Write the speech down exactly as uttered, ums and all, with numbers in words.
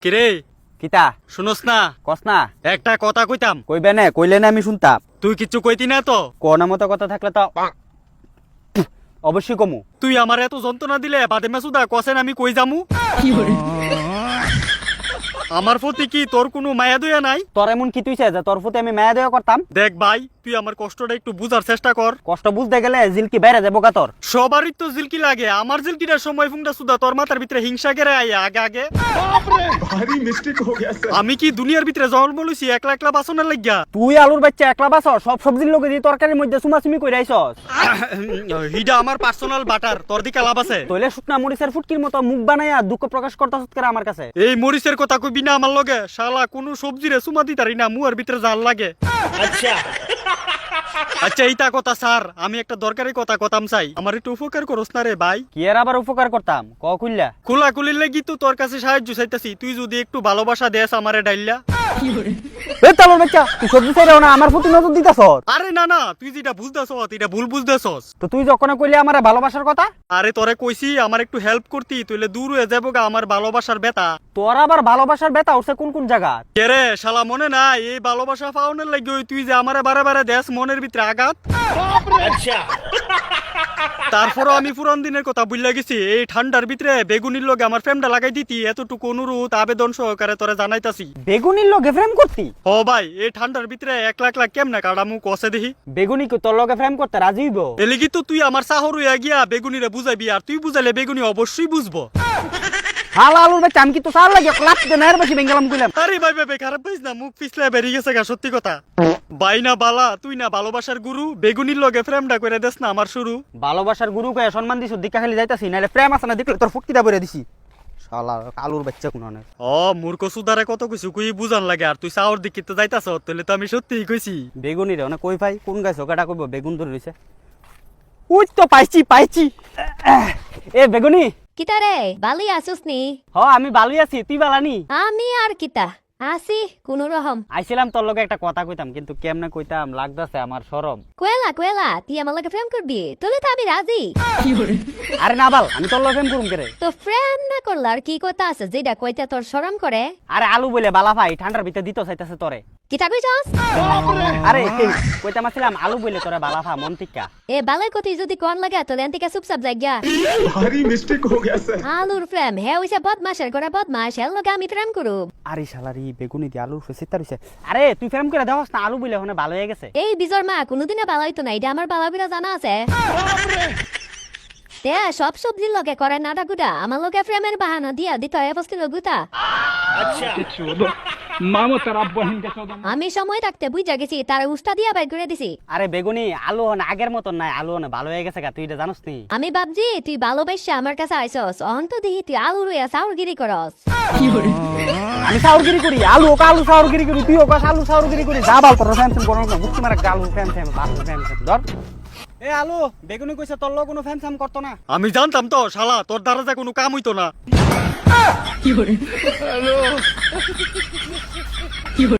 কিরে কিতা শুনস না? কস না একটা কথা কইতাম, কইবে না কইলে না আমি শুনতাম। তুই কিচ্ছু কইতি না তো? কোন মতো কথা থাকলে তো অবশ্যই কমু। তুই আমার এত যন্ত্রণা দিলে বাদে মেসুদা কসেন আমি কই যামু? আমার প্রতি কি তোর কোনো মায়া দয়া নাই? তোর এমন কি তুইছে যে তোর প্রতি আমি মায়া দেওয়া করতাম? দেখ ভাই, তুই আমার কষ্টটা একটু বুঝার চেষ্টা কর। কষ্ট বুঝতে গেলে জিলকি বাইরে যাবো গা তোর। সবারই তো জিলকি লাগে, আমার জিলকিটার সময় ফুংটা সুদা তোর মাথার ভিতরে হিংসা গেরে আইয়া আগে আগে। भारी मिस्टेक हो गया सर। আমি কি দুনিয়ার ভিতরে জন্ম লইছি একলা একলা বাসনের লাগিয়া? তুই আলুর বাচ্চা একলা বাস সব সবজির লোকে দিয়ে তরকারির মধ্যে সুমাসুমি কইরা আইছস। হিডা আমার পার্সোনাল বাটার, তোর দিকে লাভ আছে? তইলে শুকনা মরিচের ফুটকির মতো মুখ বানাইয়া দুঃখ প্রকাশ করতাছ কেন আমার কাছে? এই মরিচের কথা কইবি না আমার লগে, শালা কোন সবজিরে সুমা দিতারি না, মুয়ার ভিতরে জাল লাগে। আচ্ছা আচ্ছা এইটা কথা স্যার, আমি একটা দরকারি কথা কথাম চাই, আমার একটু উপকার করস না রে ভাই? কি এর আবার উপকার করতাম ক কইলা? খোলা খুলির লাগি তো তোর কাছে সাহায্য চাইতাছি, তুই যদি একটু ভালোবাসা দেস আমারে ডাইল্লা। এ তালুর বাচ্চা তুই সবজি চাইরাও না আমার প্রতি নজর দিতাছস? আরে না না, তুই যেটা বুঝতেছস এটা ভুল বুঝতেছস। তো তুই যখন কইলি আমারে ভালোবাসার কথা? আরে তোরে কইছি আমার একটু হেল্প করতি, তুইলে দূর হয়ে যাবো গা আমার ভালোবাসার বেতা। তোর আবার ভালোবাসার ব্যথা উঠছে কোন কোন জায়গা? কে রে শালা, মনে নাই এই ভালোবাসা পাওনের লাগি ওই তুই যে আমারে বারে বারে দেশ মনের ভিতরে আঘাত। তারপরও আমি পুরান দিনের কথা বুঝলা গেছি, এই ঠান্ডার ভিতরে বেগুনির লগে আমার ফ্রেমটা লাগাই দিতি, এতটুকু অনুরোধ আবেদন সহকারে তোরে জানাইতাছি। বেগুনির লগে ফ্রেম করতি? ও ভাই, এই ঠান্ডার ভিতরে এক লাখ লাখ কেমনে কাটামু কষে দেখি? বেগুনি কি তোর লগে ফ্রেম করতে রাজি হইব? এলিগি তো তুই আমার সাহর হইয়া গিয়া বেগুনিরে বুঝাইবি, আর তুই বুঝাইলে বেগুনি অবশ্যই বুঝবো। হাল আলুর বাচ্চা আমি কি তো সার লাগে ক্লাস দে নায়ের বেশি বেঙ্গালাম কইলাম। আরে ভাই ভাই খারাপ পাইস না, মুখ পিছলে বেরিয়ে গেছে গা, সত্যি কথা। ভাই না বালা, তুই না ভালোবাসার গুরু, বেগুনির লগে ফ্রেমটা করে দেস না আমার শুরু। ভালোবাসার গুরু কয়ে সম্মান দিছ, দিকা খালি যাইতাছি নাইলে প্রেম আছে না দেখলে তোর ফুটকিটা বইরা দিছি। শালা আলুর বাচ্চা কোন অনেক। ও মূর্খ সুদারে কত কিছু কই বুঝান লাগে, আর তুই সাহর দিকে তো যাইতাছ, তাহলে তো আমি সত্যিই কইছি। বেগুনি রে কই ভাই কোন গাছ ওকাটা কইব বেগুন ধরে রইছে। উই তো পাইছি পাইছি। এ বেগুনি। কিতা রে বালি আসুস নি? হ আমি ভালোই আছি, তুই বালানি? আমি আর কিতা আসি কোন রকম। আইছিলাম তোর লগে একটা কথা কইতাম, কিন্তু কেমনে কইতাম লাগতাছে আমার শরম। কোয়েলা কোয়েলা তুই আমার লগে প্রেম করবি? তোলে তো আমি রাজি। আরে না বাল, আমি তোর লগে প্রেম করুম কেরে? তো প্রেম না করলে আর কি কথা আছে যেটা কইতে তোর শরম করে? আরে আলু বলে বালা ভাই ঠান্ডার ভিতরে দিতে চাইতাছে তোরে। কিতা কইছস? আরে কইতাম আসছিলাম আলু বলে তোরে বালা ভা মন টিকা। এ বালাই কতি যদি কোন লাগা তোলে এন্তিকে চুপচাপ যাইগা। भारी मिस्टेक हो गया सर। আলুর প্রেম হে হইছে বদমাশের করে বদমাশ, এর লগে আমি প্রেম করব? আরে শালারি বেগুনি দি আলু ফেসিতা রইছে। আরে তুই প্রেম করে দেওস না, আলু বলে হনে ভালো হয়ে গেছে। এই বিজর মা কোনদিনে বালা হইতো না, এটা আমার বালা বিরা জানা আছে। তে সব সবজির লগে করে নাডা গুডা, আমার লগে প্রেমের বাহানা দিয়া দিত এবস্তির গুতা। আমি সময় থাকতে বুঝা গেছি, তার উস্তা দিয়া বাইর করে দিছি। আরে বেগুনি আলু হনে আগের মতন নাই, আলু হনে ভালো হয়ে গেছে গা, তুই এটা জানোস নি? আমি ভাবছি তুই ভালোবাসা আমার কাছে আইসস, অহন তো দেখি তুই আলু রইয়া সাউরগিরি করস। আমি সাউরগিরি করি? আলু ওকে আলু সাউরগিরি করি, তুই ওকে আলু সাউরগিরি করি? যা বাল তোর ফ্যান ফ্যান করো না, মুক্তি মারা আলু ফ্যান ফ্যান আলু ফ্যান ফ্যান ধর। এ আলু বেগুনি কইছে তোর লগ কোনো ফ্যান ফ্যান করতো না? আমি জানতাম তো শালা, তোর দ্বারা যা কোনো কাম হইতো না।